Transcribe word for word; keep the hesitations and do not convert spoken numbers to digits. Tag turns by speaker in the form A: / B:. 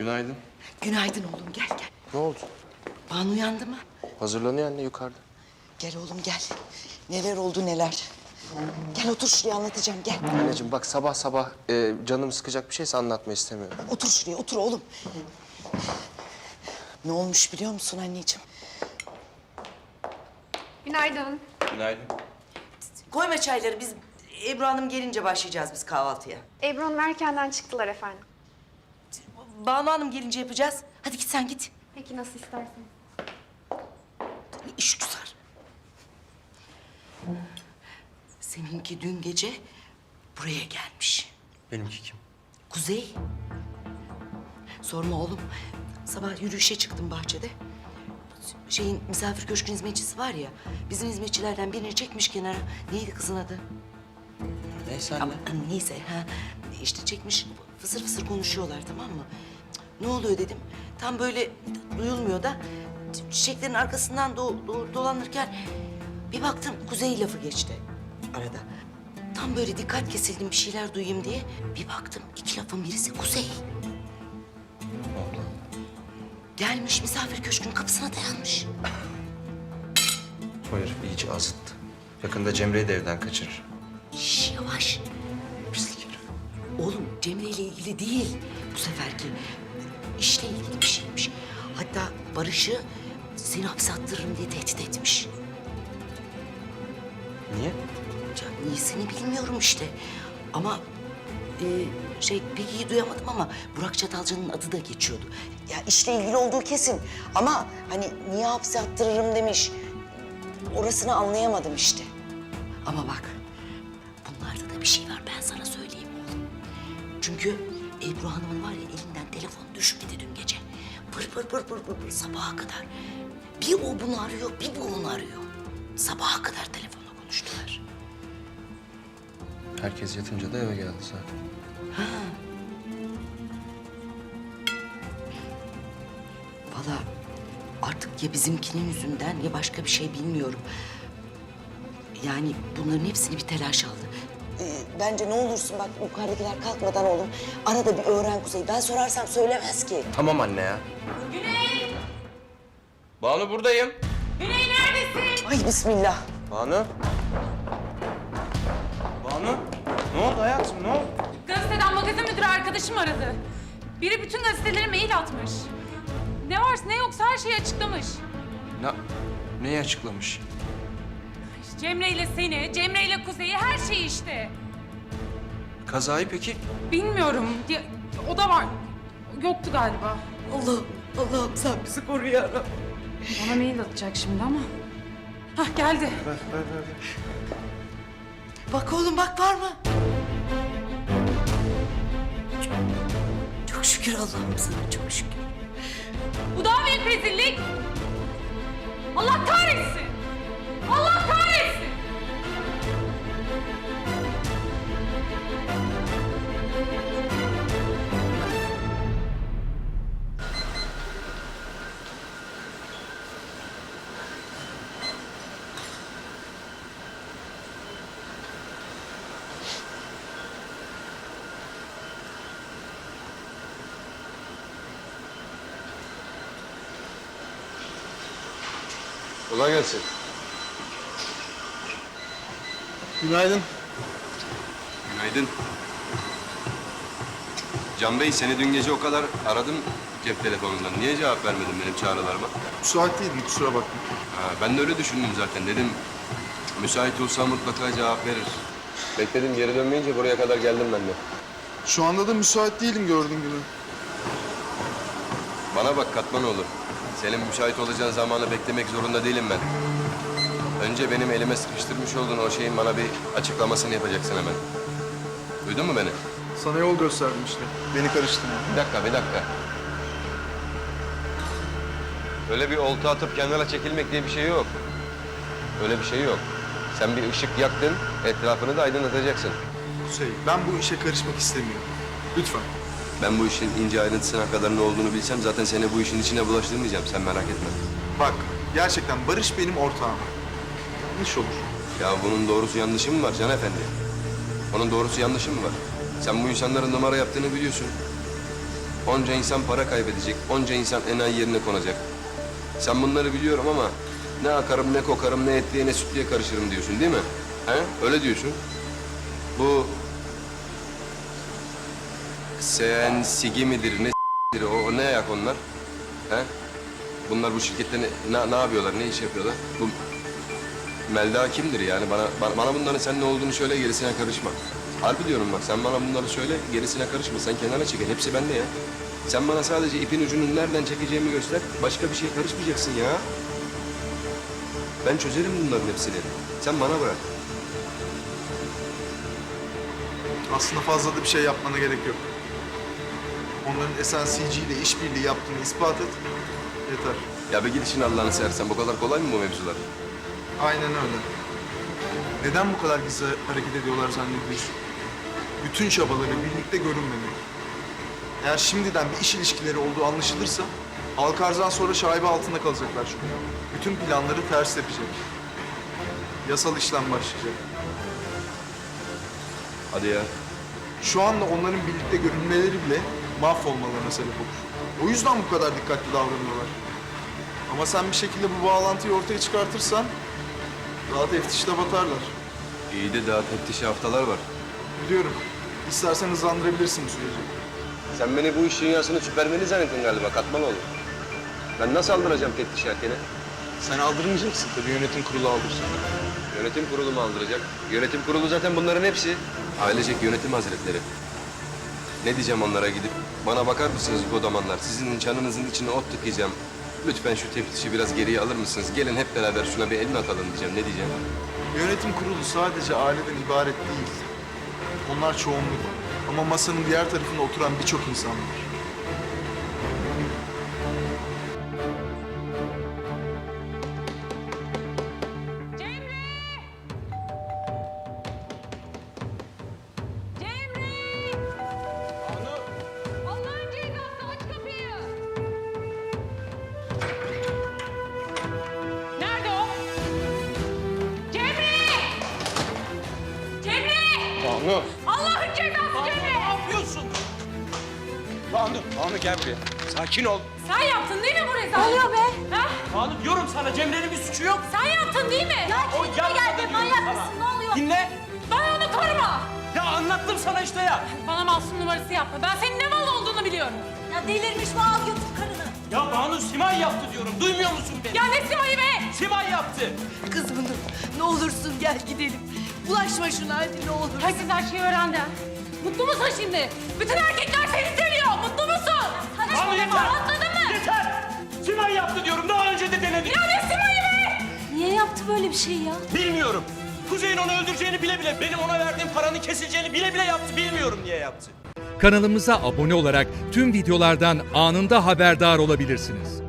A: Günaydın.
B: Günaydın oğlum, gel gel.
A: Ne oldu?
B: Banu uyandı mı?
A: Hazırlanıyor anne yukarıda.
B: Gel oğlum gel. Neler oldu neler. Gel otur şuraya, anlatacağım, gel.
A: Anneciğim bak sabah sabah e, canım sıkacak bir şeyse anlatma istemiyorum.
B: Otur şuraya, otur oğlum. Ne olmuş biliyor musun anneciğim?
C: Günaydın.
A: Günaydın.
B: Koyma çayları, biz Ebru Hanım gelince başlayacağız biz kahvaltıya.
C: Ebru Hanım erkenden çıktılar efendim.
B: Banu Hanım gelince yapacağız. Hadi git sen git.
C: Peki nasıl isterseniz.
B: İş güzel. Seninki dün gece buraya gelmiş.
A: Benimki kim?
B: Kuzey. Sorma oğlum. Sabah yürüyüşe çıktım bahçede. Şeyin misafir köşkün hizmetçisi var ya. Bizim hizmetçilerden birini çekmiş kenara. Neydi kızın adı?
A: Neyse anne.
B: Ama neyse ha. İşte çekmiş fısır fısır konuşuyorlar, tamam mı? Ne oluyor dedim. Tam böyle duyulmuyor da çiçeklerin arkasından do do dolanırken bir baktım Kuzey lafı geçti arada. Tam böyle dikkat kesildim bir şeyler duyayım diye. Bir baktım iki lafın birisi Kuzey.
A: Ne oldu?
B: Gelmiş misafir köşkünün kapısına dayanmış.
A: Hayır iyice azıttı. Yakında Cemre'yi de evden kaçırır.
B: Şş, yavaş.
A: Pislik herif.
B: Oğlum Cemre ile ilgili değil bu seferki. İşle ilgili bir şeymiş. Hatta Barış'ı seni hapse attırırım diye tehdit etmiş.
A: Niye?
B: Ya niyesini bilmiyorum işte. Ama e, şey pek iyi duyamadım ama Burak Çatalca'nın adı da geçiyordu. Ya işle ilgili olduğu kesin. Ama hani niye hapse attırırım demiş. Orasını anlayamadım işte. Ama bak bunlarda da bir şey var, ben sana söyleyeyim oğlum. Çünkü Ebru Hanım'ın var ya elinden telefon düşmedi dün gece. Pır pır pır pır pır pır sabaha kadar. Bir o bunu arıyor, bir bu onu arıyor. Sabaha kadar telefonla konuştular.
A: Herkes yatınca da eve geldi zaten.
B: Vallahi artık ya bizimkinin yüzünden ya başka bir şey bilmiyorum. Yani bunların hepsini bir telaş aldı. Ee, bence ne olursun bak yukarıdakiler kalkmadan oğlum. Arada bir öğren Kuzey. Ben sorarsam söylemez ki.
A: Tamam anne ya.
D: Güney!
A: Banu buradayım.
D: Güney neredesin?
B: Ay bismillah.
A: Banu. Banu. Ne oldu hayatım ne oldu?
D: Gazeteden magazin müdürü arkadaşım aradı. Biri bütün gazetelere mail atmış. Ne varsa ne yoksa her şeyi açıklamış.
A: Ne, neyi açıklamış?
D: Cemre ile seni, Cemre ile Kuzey'i, her şeyi işte.
A: Kazayı peki?
D: Bilmiyorum. Ya, o da var. Yoktu galiba.
B: Allah, Allah'ım sen bizi koru ya Rabbim.
D: Bana mail atacak şimdi ama. Hah geldi.
A: Ver, ver, ver.
B: Bak oğlum bak var mı? Çok, çok şükür Allah'ım sana çok şükür.
D: Bu daha büyük rezillik. Allah kahretsin. Allah kahretsin.
E: Kolay gelsin.
F: Günaydın.
E: Günaydın. Can Bey, seni dün gece o kadar aradım cep telefonundan. Niye cevap vermedin benim çağrılarıma?
F: Müsait değildim, kusura bakma.
E: Ha, ben de öyle düşündüm zaten. Dedim, müsait olsa mutlaka cevap verir. Bekledim, geri dönmeyince buraya kadar geldim ben de.
F: Şu anda da müsait değilim gördüğün gibi.
E: Bana bak Katmanoğlu. Senin müsait olacağın zamanı beklemek zorunda değilim ben. Önce benim elime sıkıştırmış olduğun o şeyin bana bir açıklamasını yapacaksın hemen. Duydun mu beni?
F: Sana yol gösterdim işte. Beni karıştırma.
E: Bir dakika, bir dakika. Öyle bir olta atıp kenara çekilmek diye bir şey yok. Öyle bir şey yok. Sen bir ışık yaktın, etrafını da aydınlatacaksın.
F: Kuzey, ben bu işe karışmak istemiyorum. Lütfen.
E: Ben bu işin ince ayrıntısına kadar ne olduğunu bilsem zaten seni bu işin içine bulaştırmayacağım. Sen merak etme.
F: Bak, gerçekten Barış benim ortağım. Yanlış olur.
E: Ya bunun doğrusu yanlışı mı var Can Efendi? Onun doğrusu yanlışı mı var? Sen bu insanların numara yaptığını biliyorsun. Onca insan para kaybedecek, onca insan enayi yerine konacak. Sen bunları biliyorum ama ne akarım, ne kokarım, ne etliye, ne sütlüye karışırım diyorsun değil mi? He? Öyle diyorsun. Bu sen sigi midir, ne s**tir, o, o ne ayak onlar? He? Bunlar bu şirkette ne, ne, ne yapıyorlar, ne iş yapıyorlar? Bu Melda kimdir yani? Bana, bana, bana bunların sen ne olduğunu söyle, gerisine karışma. Harbi diyorum bak, sen bana bunları söyle, gerisine karışma. Sen kenara çekil, hepsi bende ya. Sen bana sadece ipin ucunu nereden çekeceğimi göster, başka bir şeye karışmayacaksın ya. Ben çözerim bunların hepsini. Sen bana bırak.
F: Aslında fazla da bir şey yapmana gerek yok. Onların S N C G ile işbirliği yaptığını ispat et. Yeter.
E: Ya bir git işin Allah'ını seversen, bu kadar kolay mı bu mevzular?
F: Aynen öyle. Neden bu kadar gizli hareket ediyorlar zannediyorsun? Bütün çabaları birlikte görünmemeli. Eğer şimdiden bir iş ilişkileri olduğu anlaşılırsa Alkarz'dan sonra şaibe altında kalacaklar çünkü. Bütün planları ters yapacak. Yasal işlem başlayacak.
E: Hadi ya.
F: Şu anda onların birlikte görünmeleri bile mahvolmalarına sebep olur. O yüzden bu kadar dikkatli davranıyorlar. Ama sen bir şekilde bu bağlantıyı ortaya çıkartırsan daha teftişte batarlar.
E: İyi de daha teftişi haftalar var.
F: Biliyorum. İstersen hızlandırabilirsin bu süreci.
E: Sen beni bu iş dünyasının süpermeni zannettin galiba, katman olur. Ben nasıl aldıracağım teftiş erkene?
F: Sen aldırmayacaksın tabii, yönetim kurulu aldırsın.
E: Yönetim kurulu mu aldıracak? Yönetim kurulu zaten bunların hepsi. Ailecek yönetim hazretleri. Ne diyeceğim onlara gidip? Bana bakar mısınız bu zamanlar? Sizin çanınızın içine ot tıkayacağım. Lütfen şu teftişi biraz geriye alır mısınız? Gelin hep beraber şuna bir elini atalım diyeceğim. Ne diyeceğim?
F: Yönetim kurulu sadece aileden ibaret değil. Onlar çoğunluk. Ama masanın diğer tarafında oturan birçok insan var.
D: Cemre! Cemre! Allah'ın cezası, aç kapıyı! Nerede o? Cemre! Cemre!
A: Banu!
D: Allah'ın cezası Cemre!
G: Ne yapıyorsun? Banu, Banu gel buraya. Sakin ol.
D: Sen yaptın değil mi bu rezalet? Ne oluyor be? Ha?
G: Banu diyorum sana Cemre'nin bir suçu yok.
D: Sen yaptın değil mi? Ya
G: O yapmadı diyorum sana.
D: Ne oluyor?
G: Dinle.
D: Bana onu koruma!
G: Ya anlattım sana işte ya.
D: Bana masum numarası yapma. Ben senin ne mal olduğunu biliyorum.
H: Ya delirmiş bu, al götür karını.
G: Ya Banu Simay yaptı diyorum. Duymuyor musun beni?
D: Ya ne Sima'yı be?
G: Simay yaptı.
H: Kızım dur, ne olursun gel gidelim. Bulaşma şuna hadi ne olur.
D: Herkes her şeyi öğrendi. Mutlu musun şimdi? Bütün erkekler seni seviyor. Mutlu musun?
G: Banu yeter.
D: Anladın mı?
G: Yeter. Simay yaptı diyorum. Daha önce de denedik.
D: Ya ne Sima'yı be?
H: Niye yaptı böyle bir şey ya?
G: Bilmiyorum. Kuzey'in onu öldüreceğini bile bile, benim ona verdiğim paranın kesileceğini bile bile yaptı. Bilmiyorum niye yaptı.
I: Kanalımıza abone olarak tüm videolardan anında haberdar olabilirsiniz.